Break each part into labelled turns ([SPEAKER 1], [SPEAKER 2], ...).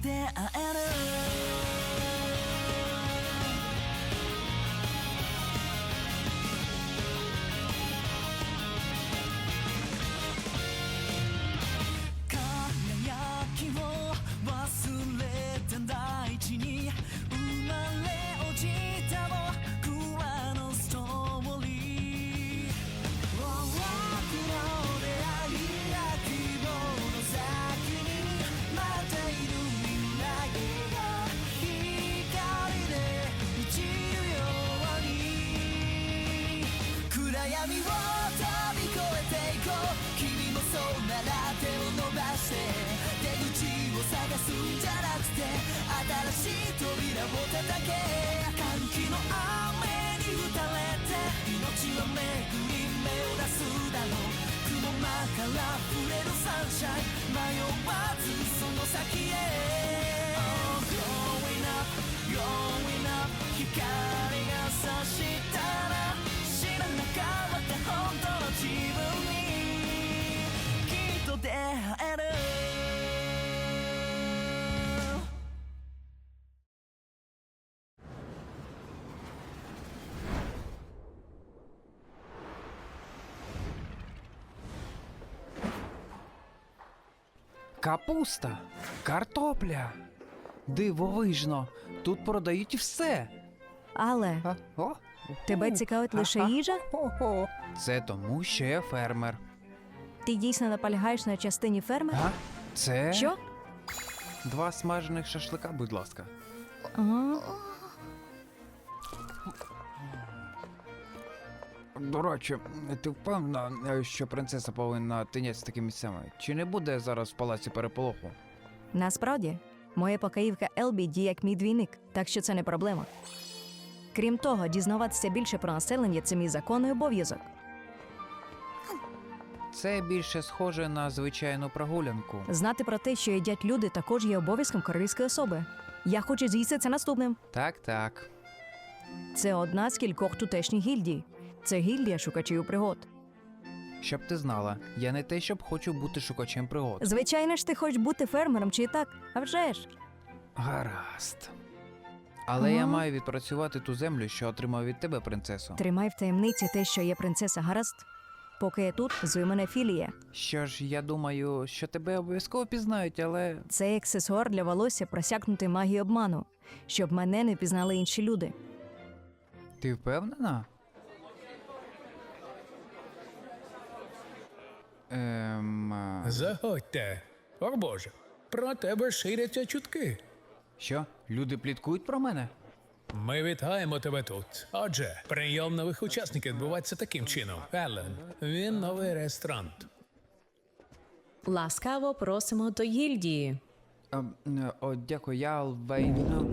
[SPEAKER 1] 出会える輝きを忘れて大地に生まれ落ちた僕らのストーリー多くの出会いや希望の先に待っている未来が光で満ちるように暗闇を飛び越えていこう君もそうなら手を伸ばして出口を探すんじゃなくて新しい扉を叩け歓喜の雨に打たれて命は巡り目を出すだろう雲間から触れるサンシャイン迷わずその先へ Oh, going up, going up 光が差したら知らなかった本当の自分にきっと出会える
[SPEAKER 2] Капуста, картопля. Дивовижно, тут продають все.
[SPEAKER 3] Але
[SPEAKER 2] О,
[SPEAKER 3] тебе цікавить лише їжа?
[SPEAKER 2] це тому, що я фермер.
[SPEAKER 3] Ти дійсно наполягаєш на частині ферми?
[SPEAKER 2] А? Це
[SPEAKER 3] Що?
[SPEAKER 2] 2 смажених шашлика, будь ласка.
[SPEAKER 3] Ага.
[SPEAKER 2] До речі, ти впевнена, що принцеса повинна тинятися такими місцями? Чи не буде зараз в палаці переполоху?
[SPEAKER 3] Насправді, моя покоївка Елбі діє як мій двійник, так що це не проблема. Крім того, дізнаватися більше про населення – це мій законний обов'язок.
[SPEAKER 2] Це більше схоже на звичайну прогулянку.
[SPEAKER 3] Знати про те, що їдять люди, також є обов'язком королівської особи. Я хочу з'їсти це наступним.
[SPEAKER 2] Так.
[SPEAKER 3] Це одна з кількох тутешніх гільдій. Це гільдія шукачів пригод.
[SPEAKER 2] Щоб ти знала, я не те, щоб хочу бути шукачем пригод.
[SPEAKER 3] Звичайно ж, ти хочеш бути фермером чи і так? А вже ж.
[SPEAKER 2] Гаразд. Але я маю відпрацювати ту землю, що отримав від тебе, принцесо.
[SPEAKER 3] Тримай в таємниці те, що є принцеса, гаразд? Поки я тут, звуй мене Філія.
[SPEAKER 2] Що ж, я думаю, що тебе обов'язково пізнають, але...
[SPEAKER 3] Це аксесуар для волосся, просякнутий магією обману, щоб мене не пізнали інші люди.
[SPEAKER 2] Ти впевнена?
[SPEAKER 4] Заходьте. О Боже, про тебе ширяться чутки.
[SPEAKER 2] Що? Люди пліткують про мене?
[SPEAKER 4] Ми вітаємо тебе тут. Отже, прийом нових учасників відбувається таким чином. Еллен, він новий реєстрант.
[SPEAKER 5] Ласкаво просимо до гільдії.
[SPEAKER 2] Дякую, я Алвейн.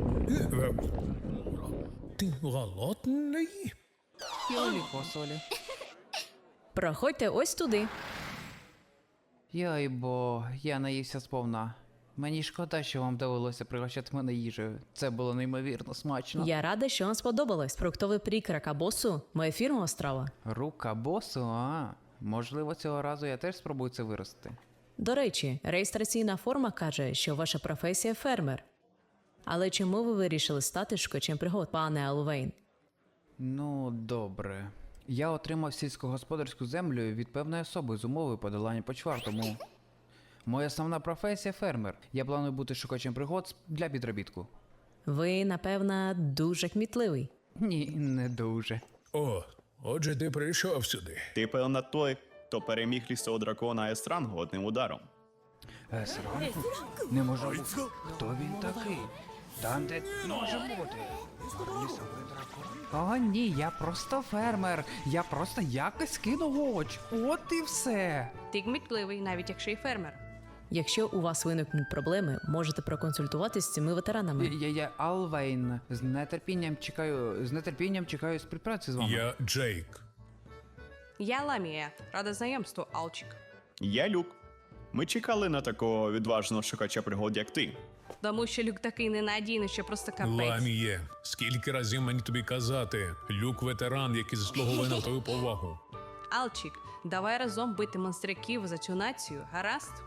[SPEAKER 4] Ти голодний?
[SPEAKER 2] Йолі посолі.
[SPEAKER 5] Проходьте ось туди.
[SPEAKER 2] Йой, бо я наївся сповна. Мені шкода, що вам довелося пригощати мене їжею. Це було неймовірно смачно.
[SPEAKER 5] Я рада, що вам сподобалось. Фруктовий прік ракабосу – моя фірмова страва.
[SPEAKER 2] Рука босу, можливо, цього разу я теж спробую це вирости.
[SPEAKER 5] До речі, реєстраційна форма каже, що ваша професія – фермер. Але чому ви вирішили стати шукачем пригод, пане Алвейн?
[SPEAKER 2] Ну, добре. Я отримав сільськогосподарську землю від певної особи з умовою подолання почвар, тому... Моя основна професія – фермер. Я планую бути шукачем пригод для підробітку.
[SPEAKER 5] Ви, напевно, дуже кмітливий.
[SPEAKER 2] Ні, не дуже.
[SPEAKER 4] О, отже, ти прийшов сюди.
[SPEAKER 6] Ти, певно, той, хто переміг лісового дракона Есрангу одним ударом.
[SPEAKER 2] Есрангу? Не може бути. Хто він такий? Там, де може бути. Лісовий дракон? О, ні, я просто фермер. Я просто якось кинув оч. От і все.
[SPEAKER 7] Ти кмітливий, навіть якщо й фермер.
[SPEAKER 5] Якщо у вас виникнуть проблеми, можете проконсультуватись з цими ветеранами.
[SPEAKER 2] Я Алвейн. З нетерпінням чекаю співпраці з вами.
[SPEAKER 4] Я Джейк.
[SPEAKER 7] Я Ламія, рада знайомству, Алчик.
[SPEAKER 6] Я Люк. Ми чекали на такого відважного шукача пригод, як ти.
[SPEAKER 7] Тому що Люк такий ненадійний, що просто капець.
[SPEAKER 4] Ламіє, скільки разів мені тобі казати? Люк ветеран, який заслуговує на твою повагу.
[SPEAKER 7] Алчик, давай разом бити монстряків за цю націю, гаразд?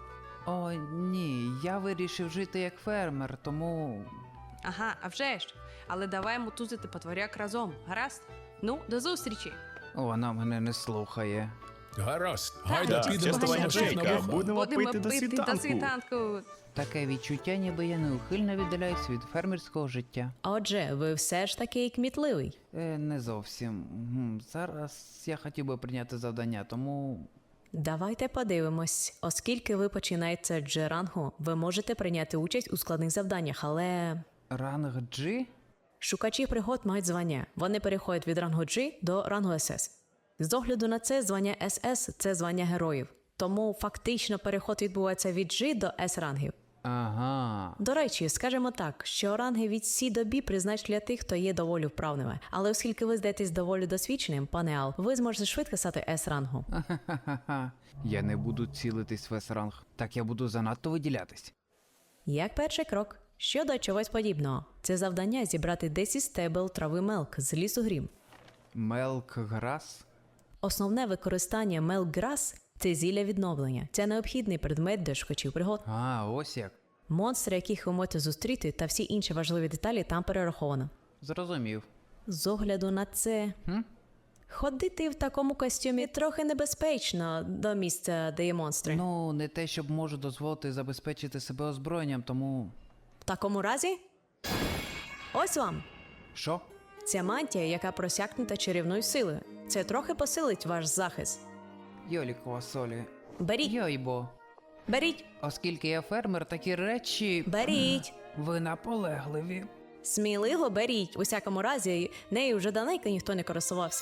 [SPEAKER 2] О, ні, я вирішив жити як фермер, тому.
[SPEAKER 7] Ага, а вже ж. Але давай мотузити потворяк разом, гаразд? Ну, до зустрічі!
[SPEAKER 2] Вона мене не слухає.
[SPEAKER 4] Гаразд, гайда
[SPEAKER 6] Так,
[SPEAKER 4] підемо
[SPEAKER 6] частування
[SPEAKER 4] до наших
[SPEAKER 6] Джейка.
[SPEAKER 4] нових.
[SPEAKER 6] Будемо пити до світанку.
[SPEAKER 7] світанку.
[SPEAKER 2] Таке відчуття, ніби я неухильно віддаляюсь від фермерського життя.
[SPEAKER 5] Отже, ви все ж таки кмітливий.
[SPEAKER 2] Не зовсім. Зараз я хотів би прийняти завдання, тому.
[SPEAKER 5] Давайте подивимось. Оскільки ви починаєте G-рангу, ви можете прийняти участь у складних завданнях, але
[SPEAKER 2] Ранг G?
[SPEAKER 5] шукачі пригод мають звання. Вони переходять від рангу G до рангу SS. З огляду на це, звання SS – це звання героїв. Тому фактично переход відбувається від G до S рангів.
[SPEAKER 2] Ага.
[SPEAKER 5] До речі, скажемо так, що ранги від C до B призначені для тих, хто є доволі вправними. Але оскільки ви здаєтесь доволі досвідченим, пане Ал, ви зможете швидко стати S-рангу.
[SPEAKER 2] Ха-ха-ха. Я не буду цілитись в S-ранг. Так я буду занадто виділятись.
[SPEAKER 5] Як перший крок. Щодо чогось подібного. Це завдання зібрати 10 стебел трави мелк з лісу грім.
[SPEAKER 2] Мелк Грас?
[SPEAKER 5] Основне використання мелк-грас – це зілля відновлення. Це необхідний предмет для шукачів пригод.
[SPEAKER 2] Ось як.
[SPEAKER 5] Монстри, яких ви можете зустріти, та всі інші важливі деталі там перераховано.
[SPEAKER 2] Зрозумів.
[SPEAKER 5] З огляду на це, ходити в такому костюмі трохи небезпечно до місця, де є монстри.
[SPEAKER 2] Ну, не те, щоб можу дозволити забезпечити себе озброєнням, тому.
[SPEAKER 5] В такому разі, ось вам.
[SPEAKER 2] Що?
[SPEAKER 5] Ця мантія, яка просякнута чарівною силою. Це трохи посилить ваш захист.
[SPEAKER 2] Йолікова солі.
[SPEAKER 5] Беріть,
[SPEAKER 2] Йойбо.
[SPEAKER 5] беріть,
[SPEAKER 2] Оскільки я фермер, такі речі.
[SPEAKER 5] беріть.
[SPEAKER 2] Ви наполегливі.
[SPEAKER 5] Сміливо беріть. У всякому разі, нею вже давненько ніхто не користувався.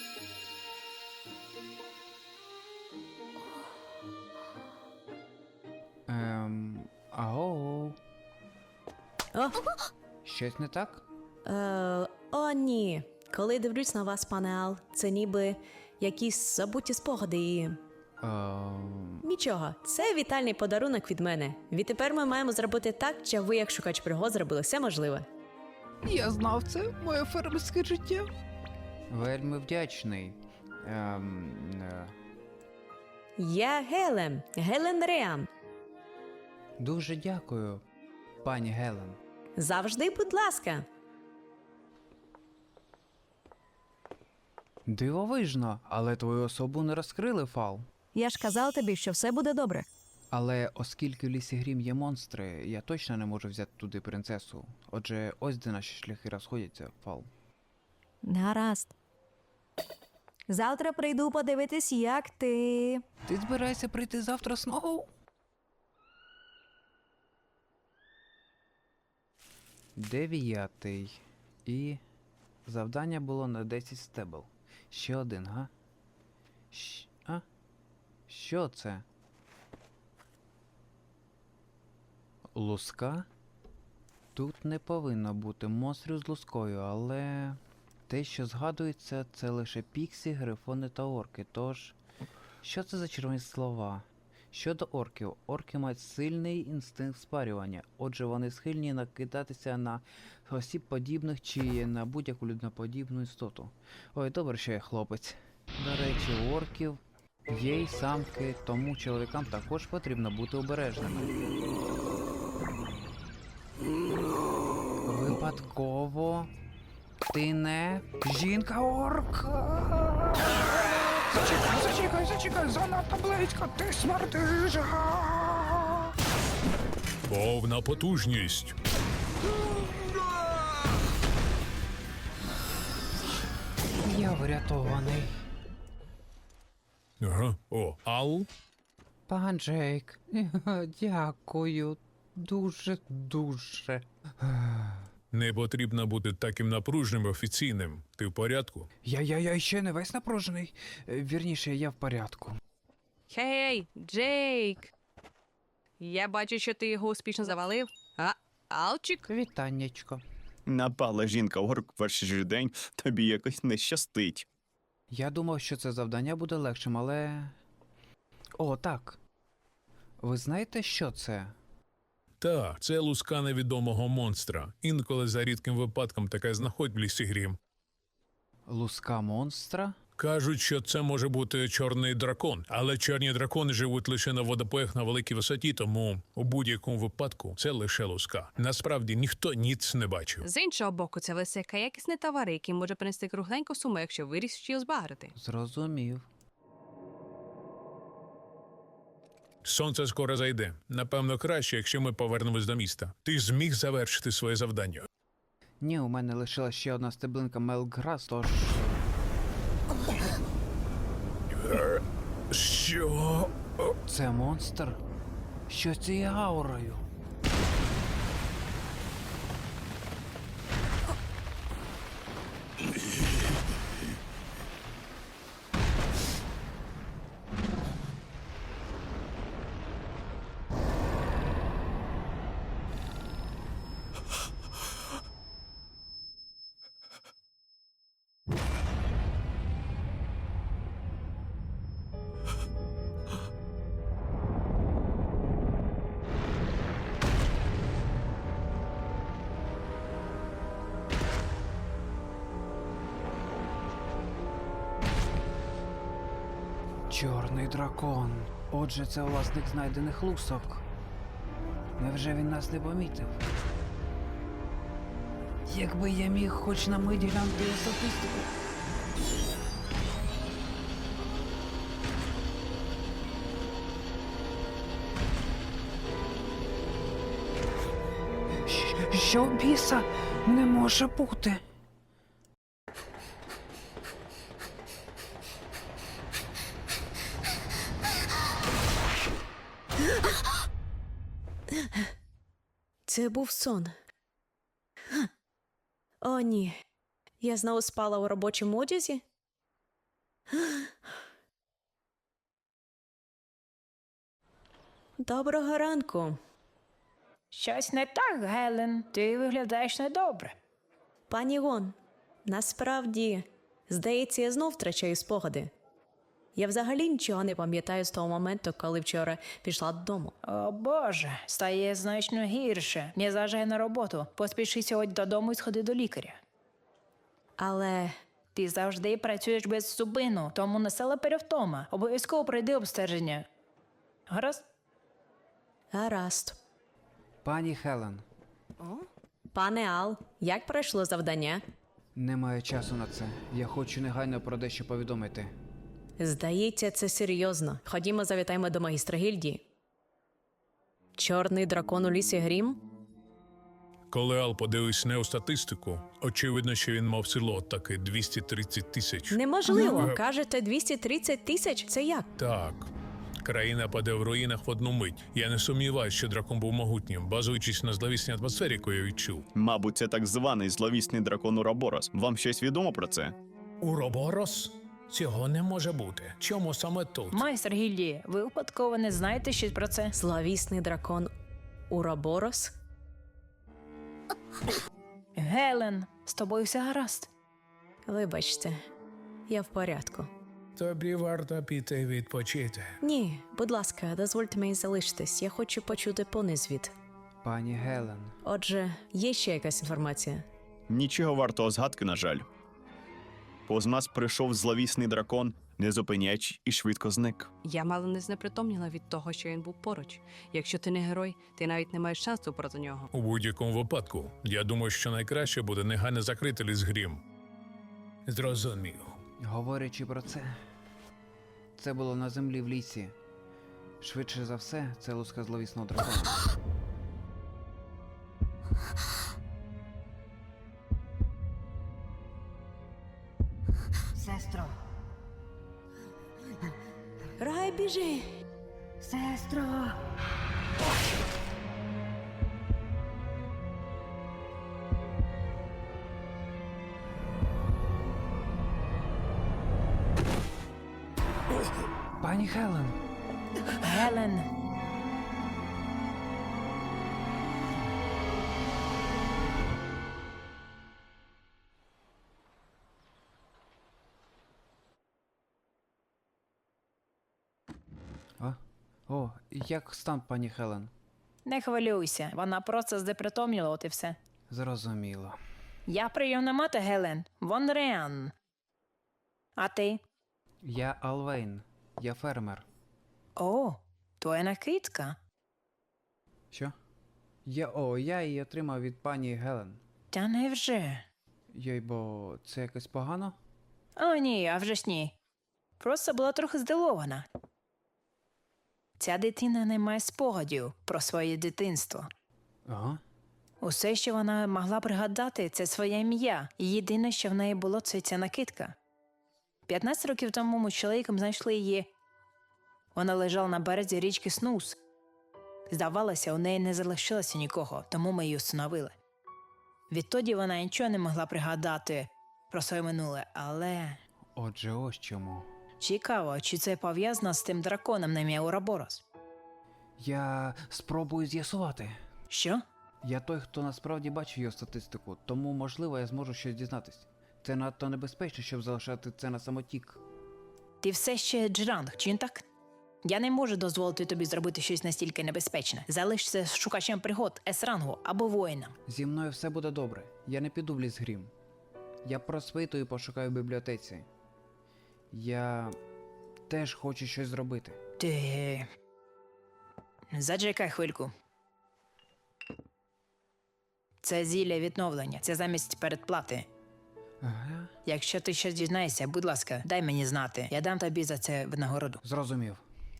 [SPEAKER 2] Аго.
[SPEAKER 5] О,
[SPEAKER 2] Щось не так?
[SPEAKER 5] о, ні. Коли дивлюсь на вас, пане Ал, це ніби якісь забуті спогади і... Нічого, це вітальний подарунок від мене. Відтепер ми маємо зробити так, щоб ви, як шукач пригод, зробили все можливе.
[SPEAKER 2] Я знав це, моє фермерське життя. Вельми вдячний.
[SPEAKER 5] Я Гелен Реан.
[SPEAKER 2] Дуже дякую, пані Гелен.
[SPEAKER 5] Завжди, будь ласка.
[SPEAKER 2] Дивовижно, але твою особу не розкрили, Фал.
[SPEAKER 3] Я ж казав тобі, що все буде добре.
[SPEAKER 2] Але оскільки в лісі Грім є монстри, я точно не можу взяти туди принцесу. Отже, ось де наші шляхи розходяться, Фал.
[SPEAKER 3] Гаразд. Завтра прийду подивитись, як ти.
[SPEAKER 2] Ти збираєшся прийти завтра знову? Дев'ятий. І завдання було на 10 стебел. Ще один, га? Що це? Луска? Тут не повинно бути монстрів з лускою, але те, що згадується, це лише піксі, грифони та орки. Тож, що це за червоні слова? Щодо орків, орки мають сильний інстинкт спарювання, отже вони схильні накидатися на осіб подібних чи на будь-яку людиноподібну істоту. Ой, добре, що я хлопець. До речі, у орків є й самки, тому чоловікам також потрібно бути обережними. Випадково ти не жінка-орка. Зачекай, занадто близько, ти смердиш.
[SPEAKER 4] Повна потужність.
[SPEAKER 2] Я врятований.
[SPEAKER 4] Ага. О, Ал?
[SPEAKER 2] Пан Джейк, дякую. Дуже.
[SPEAKER 4] Не потрібно бути таким напружним і офіційним. Ти в порядку?
[SPEAKER 2] Я ще не весь напружений. Вірніше, я в порядку.
[SPEAKER 7] Хей, Джейк! Я бачу, що ти його успішно завалив. А, Алчик?
[SPEAKER 2] Вітаннячко.
[SPEAKER 6] Напала жінка-орк в перший же день, тобі якось не щастить.
[SPEAKER 2] Я думав, що це завдання буде легшим, але. О, так. Ви знаєте, що це?
[SPEAKER 4] Так, це луска невідомого монстра. Інколи за рідким випадком таке знаходь в лісі Грім.
[SPEAKER 2] Луска монстра?
[SPEAKER 4] Кажуть, що це може бути чорний дракон, але чорні дракони живуть лише на водопоях на великій висоті, тому у будь-якому випадку це лише луска. Насправді ніхто ніц не бачив.
[SPEAKER 7] З іншого боку, це лисика якісний товар, який може принести кругленьку суму, якщо вирішиш його збагрити.
[SPEAKER 2] Зрозумів.
[SPEAKER 4] Сонце скоро зайде. Напевно, краще, якщо ми повернемось до міста. Ти зміг завершити своє завдання.
[SPEAKER 2] Ні, у мене лишилась ще одна стеблинка Мелкграс, тож...
[SPEAKER 4] Що?
[SPEAKER 2] Це монстр? Що з цією аурою? Чорний дракон. Отже, це власник знайдених лусок. Невже він нас не помітив? Якби я міг хоч на мить глянути його статистику. Що біса? Не може бути.
[SPEAKER 5] Це був сон. О, ні. Я знову спала у робочому одязі? Доброго ранку.
[SPEAKER 8] Щось не так, Гелен. Ти виглядаєш недобре.
[SPEAKER 5] Пані Гон, насправді, здається, я знов втрачаю спогади. Я взагалі нічого не пам'ятаю з того моменту, коли вчора пішла додому.
[SPEAKER 8] О Боже, стає значно гірше. Не заважай на роботу. Поспіши сьогодні додому і сходи до лікаря.
[SPEAKER 5] Але
[SPEAKER 8] Ти завжди працюєш без зупину, тому насела перевтома. Обов'язково пройди обстеження. Гаразд?
[SPEAKER 5] гаразд.
[SPEAKER 2] Пані Хелен,
[SPEAKER 5] Пане Ал, як пройшло завдання?
[SPEAKER 2] немає часу на це. Я хочу негайно про дещо повідомити.
[SPEAKER 5] Здається, це серйозно. Ходімо, завітаємо до магістра гільдії. Чорний дракон у лісі Грім?
[SPEAKER 4] Коли Ал подивився на статистику, очевидно, що він мав село таки 230 тисяч.
[SPEAKER 5] Неможливо. Кажете, 230 тисяч? Це як?
[SPEAKER 4] Так. Країна паде в руїнах в одну мить. Я не сумніваюся, що дракон був могутнім, базуючись на зловісній атмосфері, яку я відчув.
[SPEAKER 6] Мабуть, це так званий зловісний дракон Уроборос. Вам щось відомо про це?
[SPEAKER 4] Уроборос? Цього не може бути. Чому саме тут?
[SPEAKER 8] Майстер гільдії, ви випадково не знаєте щось про це?
[SPEAKER 5] Зловісний дракон Уроборос?
[SPEAKER 8] Гелен, з тобою все гаразд.
[SPEAKER 5] Вибачте, я в порядку.
[SPEAKER 4] Тобі варто піти відпочити.
[SPEAKER 5] Ні, будь ласка, дозвольте мені залишитись. Я хочу почути понезвід.
[SPEAKER 2] Пані Гелен,
[SPEAKER 5] Отже, є ще якась інформація?
[SPEAKER 6] Нічого вартого згадки, на жаль. Повз нас прийшов зловісний дракон, не зупиняючи, і швидко зник.
[SPEAKER 7] Я мало не знепритомніла від того, що він був поруч. Якщо ти не герой, ти навіть не маєш шансу проти нього.
[SPEAKER 4] У будь-якому випадку, я думаю, що найкраще буде негайно закрити ліс Грім. Зрозумів.
[SPEAKER 2] говорячи про це було на землі в лісі. Швидше за все, це луска зловісного дракона.
[SPEAKER 9] Сестро,
[SPEAKER 5] Рай, біжи!
[SPEAKER 9] сестро.
[SPEAKER 2] Пані Хелен!
[SPEAKER 8] Гелен,
[SPEAKER 2] О, як стан, пані Хелен?
[SPEAKER 8] не хвилюйся, вона просто здепритомніла, от і все.
[SPEAKER 2] Зрозуміло.
[SPEAKER 8] Я прийомна мати, Гелен, Вон Реан. А ти?
[SPEAKER 2] Я Алвейн. Я фермер.
[SPEAKER 8] О, твоя накидка.
[SPEAKER 2] Що? Я її отримав від пані Гелен.
[SPEAKER 8] Та невже?
[SPEAKER 2] Йой, бо це якось погано?
[SPEAKER 8] О, ні, а вже ж ні. Просто була трохи здивована. Ця дитина не має спогадів про своє дитинство.
[SPEAKER 2] Ага.
[SPEAKER 8] Усе, що вона могла пригадати, це своє ім'я. І єдине, що в неї було, це ця накидка. 15 років тому ми з чоловіком знайшли її. Вона лежала на березі річки Снус. Здавалося, у неї не залишилося нікого, тому ми її встановили. Відтоді вона нічого не могла пригадати про своє минуле, але...
[SPEAKER 2] Отже, ось чому.
[SPEAKER 8] Цікаво, чи це пов'язано з тим драконом на ім'я Ураборос?
[SPEAKER 2] Я спробую з'ясувати.
[SPEAKER 8] Що?
[SPEAKER 2] Я той, хто насправді бачив його статистику, тому, можливо, я зможу щось дізнатись. Це надто небезпечно, щоб залишати це на самотік.
[SPEAKER 8] Ти все ще Джеранг, чи не так? Я не можу дозволити тобі зробити щось настільки небезпечне. Залишся шукачем пригод, С-рангу або воїном.
[SPEAKER 2] Зі мною все буде добре. Я не піду в ліс грім. Я просвитую і пошукаю в бібліотеці. Я теж хочу щось зробити.
[SPEAKER 8] Ти... Зачекай хвильку. Це зілля відновлення. Це замість передплати.
[SPEAKER 2] Ага.
[SPEAKER 8] Якщо ти щось дізнаєшся, будь ласка, дай мені знати. Я дам тобі за це винагороду.
[SPEAKER 2] Зрозумів.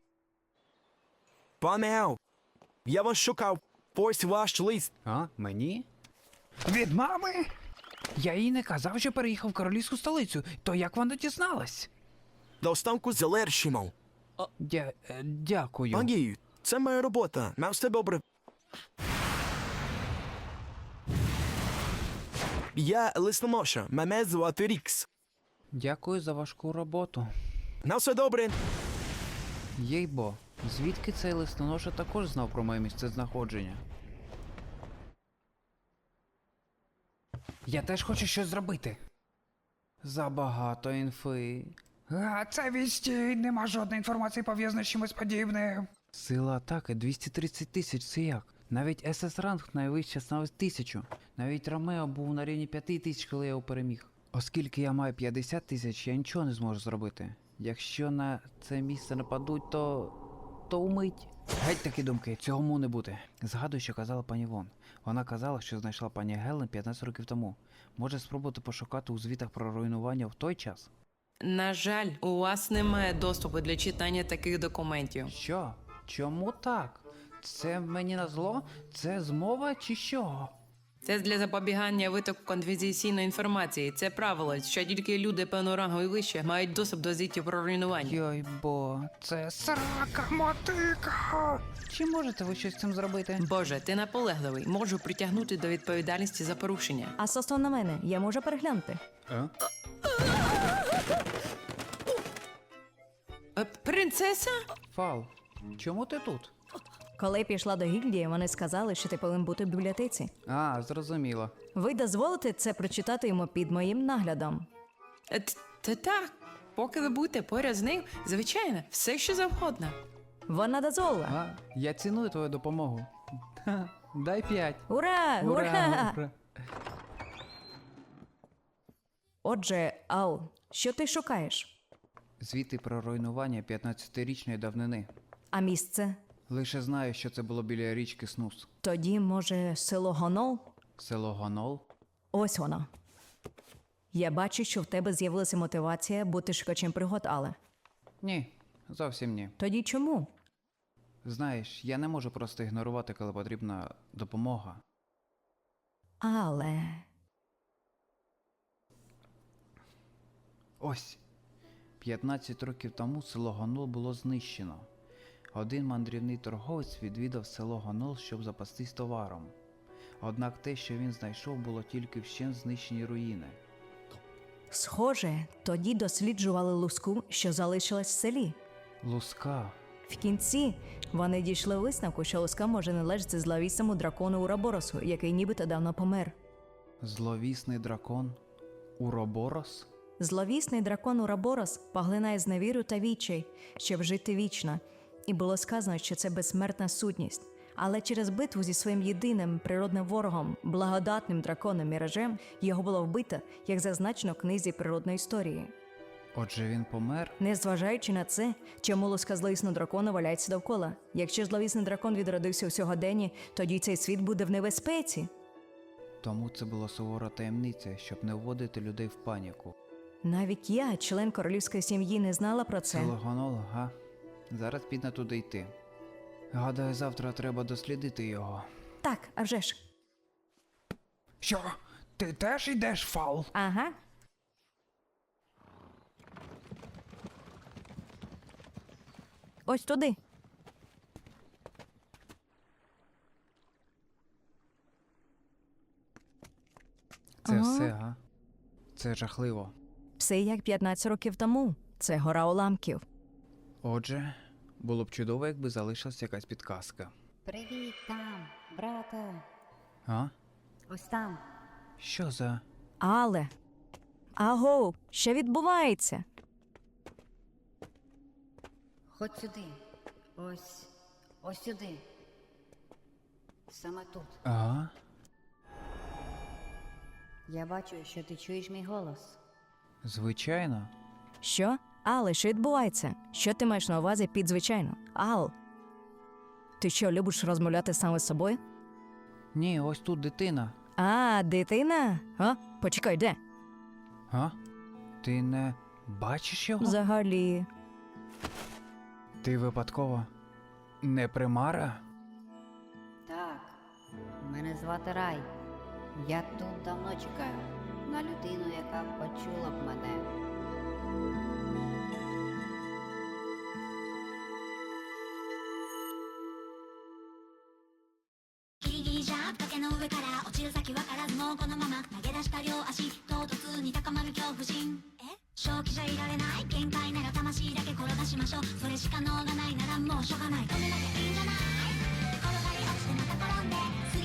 [SPEAKER 9] Пане Ел, я вас шукав. Ось ваш лист.
[SPEAKER 2] А? Мені? Від мами? Я їй не казав, що переїхав в королівську столицю. То як вона дізналась?
[SPEAKER 9] До останку залершимо.
[SPEAKER 2] Дякую.
[SPEAKER 9] Магію, це моя робота. Мав все добре. Я листоноша. Мене звати Рікс.
[SPEAKER 2] Дякую за важку роботу.
[SPEAKER 9] На все добре.
[SPEAKER 2] Єйбо, звідки цей листоноша також знав про моє місце знаходження? Я теж хочу щось зробити. Забагато інфи. А, це відстій, нема жодної інформації пов'язаної з чимось подібним. Сила атаки 230 тисяч, це як? Навіть СС-ранг найвище становить 1000. Навіть Ромео був на рівні 5000, коли я його переміг. Оскільки я маю 50 тисяч, я нічого не зможу зробити. Якщо на це місце нападуть, то умить. Геть такі думки, цього не бути. Згадую, що казала пані Вон. Вона казала, що знайшла пані Гелен 15 років тому. Може спробувати пошукати у звітах про руйнування в той час?
[SPEAKER 7] На жаль, у вас немає доступу для читання таких документів.
[SPEAKER 2] Що? Чому так? Це мені назло? Це змова чи що?
[SPEAKER 7] Це для запобігання витоку конфіденційної інформації. Це правило, що тільки люди певного рангу і вище мають доступ до звітів про руйнування.
[SPEAKER 2] Йой бо, це срака мотика! Чи можете ви щось з цим зробити?
[SPEAKER 7] Боже, ти наполегливий. Можу притягнути до відповідальності за порушення.
[SPEAKER 3] А стосовно мене, я можу переглянути.
[SPEAKER 7] Принцеса?
[SPEAKER 2] Фал, чому ти тут?
[SPEAKER 3] Коли пішла до гільдії, вони сказали, що ти повинен бути в бібліотеці.
[SPEAKER 2] А, зрозуміло.
[SPEAKER 3] Ви дозволите це прочитати йому під моїм наглядом.
[SPEAKER 7] Так. Поки ви будете поряд з ним, звичайно, все що завгодно.
[SPEAKER 3] Вона дозволила.
[SPEAKER 2] А, я ціную твою допомогу. Ха, дай 5.
[SPEAKER 3] Ура! Ура!
[SPEAKER 2] Ура!
[SPEAKER 3] Отже, Ал, що ти шукаєш?
[SPEAKER 2] Звіти про руйнування 15-річної давнини.
[SPEAKER 3] А місце?
[SPEAKER 2] Лише знаю, що це було біля річки Снус.
[SPEAKER 3] Тоді, може, село Гонол?
[SPEAKER 2] Село Гонол?
[SPEAKER 3] Ось воно. Я бачу, що в тебе з'явилася мотивація бути шукачем пригод, але.
[SPEAKER 2] Ні, зовсім ні.
[SPEAKER 3] Тоді чому?
[SPEAKER 2] Знаєш, я не можу просто ігнорувати, коли потрібна допомога.
[SPEAKER 3] Але.
[SPEAKER 2] Ось. 15 років тому село Гонол було знищено. Один мандрівний торговець відвідав село Гонол, щоб запастись товаром. Однак те, що він знайшов, було тільки вщент знищені руїни.
[SPEAKER 3] Схоже, тоді досліджували луску, що залишилась в селі.
[SPEAKER 2] Луска.
[SPEAKER 3] В кінці вони дійшли висновку, що луска може належати зловісному дракону Ураборосу, який нібито давно помер.
[SPEAKER 2] Зловісний дракон? Уроборос?
[SPEAKER 3] Зловісний дракон Ураборос поглинає зневіру та відчай, щоб жити вічно. І було сказано, що це безсмертна сутність. Але через битву зі своїм єдиним природним ворогом, благодатним драконом Міражем, його було вбито, як зазначено в книзі природної історії.
[SPEAKER 2] Отже, він помер?
[SPEAKER 3] Незважаючи на це, чому луска зловісного дракона валяється довкола. Якщо зловісний дракон відродився у сьогоденні, тоді цей світ буде в небезпеці.
[SPEAKER 2] Тому це була сувора таємниця, щоб не вводити людей в паніку.
[SPEAKER 3] Навіть я, член королівської сім'ї, не знала про це.
[SPEAKER 2] Це логонолог, га? Зараз підна туди йти. Гадаю, завтра треба дослідити його.
[SPEAKER 3] Так, а вже ж.
[SPEAKER 2] Що? Ти теж йдеш, Фал?
[SPEAKER 3] Ага. Ось туди.
[SPEAKER 2] Це
[SPEAKER 3] Ага.
[SPEAKER 2] все, га? Це жахливо.
[SPEAKER 3] Все як 15 років тому. Це гора уламків.
[SPEAKER 2] Отже, було б чудово, якби залишилась якась підказка.
[SPEAKER 10] Привіт там, брате.
[SPEAKER 2] А?
[SPEAKER 10] Ось там.
[SPEAKER 2] Що за...
[SPEAKER 3] Але. Аго, що відбувається?
[SPEAKER 10] Ходь сюди. Ось сюди. Саме тут.
[SPEAKER 2] Ага?
[SPEAKER 10] Я бачу, що ти чуєш мій голос.
[SPEAKER 2] Звичайно.
[SPEAKER 3] Що? Але, що відбувається? Що ти маєш на увазі під звичайно? Ал. Ти що, любиш розмовляти саме з собою?
[SPEAKER 2] Ні, ось тут дитина.
[SPEAKER 3] А, дитина? А? Почекай, де?
[SPEAKER 2] А? Ти не бачиш його?
[SPEAKER 3] Взагалі.
[SPEAKER 2] Ти випадково не примара?
[SPEAKER 10] Так, мене звати Рай. Я тут давно чекаю на людину, яка почула б мене.
[SPEAKER 11] ギリギリじゃ崖の上から落ちる先わからずもうこのまま投げ出した両足唐突に高まる恐怖心正気じゃいられない限界なら魂だけ転がしましょうそれしか能がないならもうしょうがない止めなきゃいいんじゃない転がり落ちてまた転んで